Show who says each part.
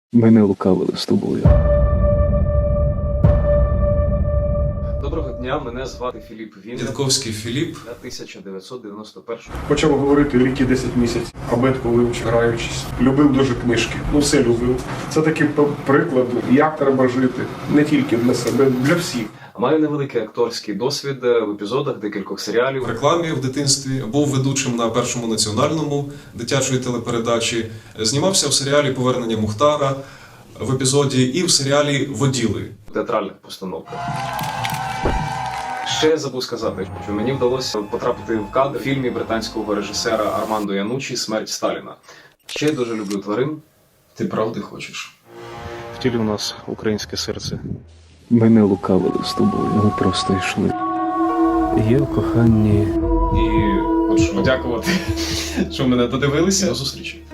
Speaker 1: Ми не лукавили з тобою.
Speaker 2: Доброго дня, мене звати Філіп Вінник.
Speaker 3: Дідковський Філіп.
Speaker 2: Я 1991.
Speaker 4: Почав говорити ліки 10 місяців, абетку вивчив, граючись. Любив дуже книжки, все любив. Це такий приклад, як треба жити, не тільки для себе, для всіх.
Speaker 2: Маю невеликий акторський досвід в епізодах декількох серіалів.
Speaker 3: В рекламі в дитинстві був ведучим на Першому національному дитячої телепередачі. Знімався в серіалі «Повернення Мухтара» в епізоді і в серіалі «Воділи».
Speaker 2: Театральних постановках. Ще забув сказати, що мені вдалося потрапити в кадр в фільмі британського режисера Армандо Янучі «Смерть Сталіна». Ще я дуже люблю тварин.
Speaker 3: Ти правди хочеш?
Speaker 1: Втілі у нас українське серце. Ми не лукавили з тобою, ми просто йшли. Є в коханні.
Speaker 2: І хочу подякувати, що мене додивилися.
Speaker 3: До зустрічі.